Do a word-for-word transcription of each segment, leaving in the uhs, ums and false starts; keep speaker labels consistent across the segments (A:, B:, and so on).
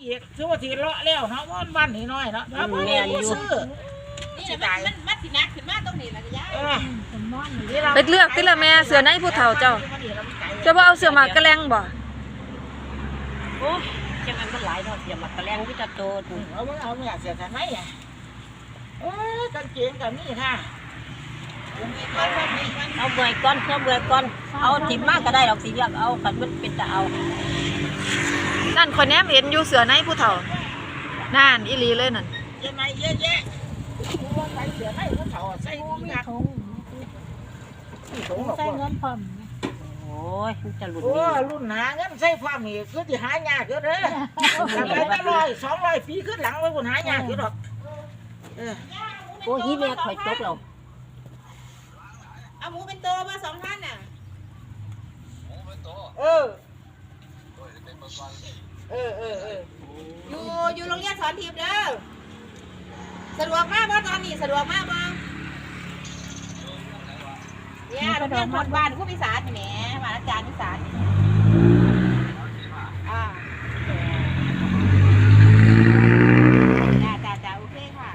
A: อีกซื้อว่าสีเลาะแล้วเนาะวันวันนิดหน่อยเนาะแล้วพ่อแม่ซื้อ
B: นี่มันมันมัดสินักขึ้นมาตรงนี้แล้วก็ย้าย
C: ไปเลือกติละแม่เสือในผู้เฒ่าเจ้าจะบ่เอาเสือหมากกระแลงบ่
B: โอ้จังมันมันหลายเนาะเสียหมากกระแลงที่จะโตถูก
A: เอาเอาไม่อยากเสียทำไมอ่ะเออกางเกงกับนี่ค่ะ
B: เอาเบื่อก้อนเอาเบื่อก้อนเอาถิ่มมากก็ได้หรอกสิเลือกเอาขันมันเป็นจะเอา
C: นั่นคนแนมเห็นอยู่เสือในผู้เฒ่านั่นอีหลีเลยนั่น
A: เยอะไหมเยอะแยะใส่เสือในผู้เฒ่าใส่ดีนัก
D: ใส่เงินพร้อม
B: โอ้ยจะหลุด
A: โอ้รุ่นหาเงินใส่ความนี่คือที่หายากเยอะเลยทำไปตั้งร้อยสองร้อยปีขึ้นหลังไว้คนหายากเยอะหรอก
B: โอ้ยแม่คอยตกเรา
D: เอาหมูเป็นโตมาสองท่านน่ะ
A: เออเออเออเออ
D: อยู่อยู่โรงเรียนสอนทิพย์เด้อสะดวกมากว่าตอนนี้สะดวกมากบ้างเนี่ยโรงเรียนคนบ้านผู้พิสารแหมมาอาจารย์พิสารอ่าจ้าจ้าจ้าโอเคค่ะ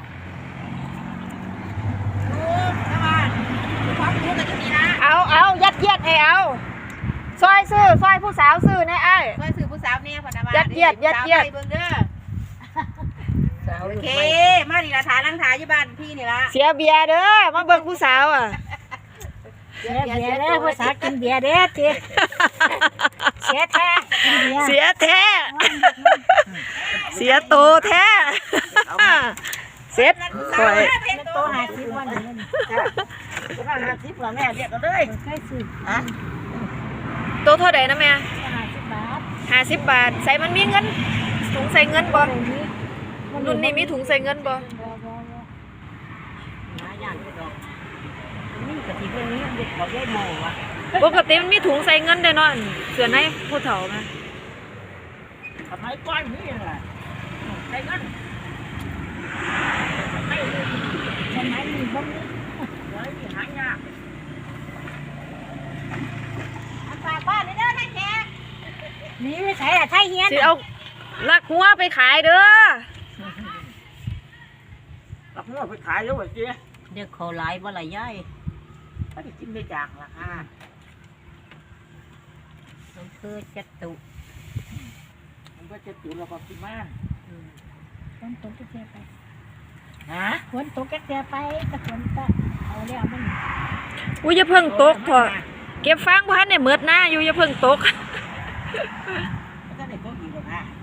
D: ดูนะบ้านความรู้กันจะมีนะ
C: เอาเอายัดเยียดให้เอาซอยซื้อซอยผู้สาวซื้อในไอ้
D: ซอยซื้อผู้สาวเนี่ยพนักงาน
C: ยัดเยียดยัดเยียด
D: เบิ่งเด้อโอเคมาดีละฐานนั่งถ่ายอยู่บ้านพี่นี่ละ
C: เสียเบียร์เด้อมาเบิ่งผู้สาวอ่ะ
D: เสียเบียร์เด้อผู้สาวกินเบียร์เด้อทีเสียแท้
C: เสียแท้เสียโตแท้เสร็จคอย
D: โตหาสิบวันนี้
A: โตหาสิบละแม่เรียกกันเลย
D: ใกล้สิ
A: ฮะ
C: โตเท่าไหร่นะแม่
D: ห้าสิบบาท
C: ห้าสิบบาทใส่มันมีเงินถุงใส่เงินบ่รุ่นนี้มีถุงใส่เงินบ่ปกติมันมีถุงใส่เงินได้เนาะเสือในผู้เฒ่านะ
A: ทำไมก้อนนี้ล่ะใส่เงินไม่
D: ใช่ไหมมีบ้าง
A: ไว้หายาก
D: อันฝากบ้านเด้อท่านแขกนี่ใช่อะใช่เฮียน
C: สิเอาลักหัวไปขายเด้อ
A: ลักหัวไปขายแล้วว่าเจ๊
B: เด็กเขาหลายบ่หลายย่าย
A: ถ้าได้กินไม่จางราคา
B: มันคือจัตุ
A: มันก็จะตุเราก็กินมาก
D: ฝนตกแก่ไป
A: ฮะ
D: ฝนตกแก่ไปแต่ฝนก็เอาแล้วมัน
C: อุ้ยอย่าเพิ่งตกเถอะเก็บฟางพันเนี่ยเมือดหน้าอยู่อย่าเพิ่งตก
A: ก็ได้ก็อีกแล้วนะ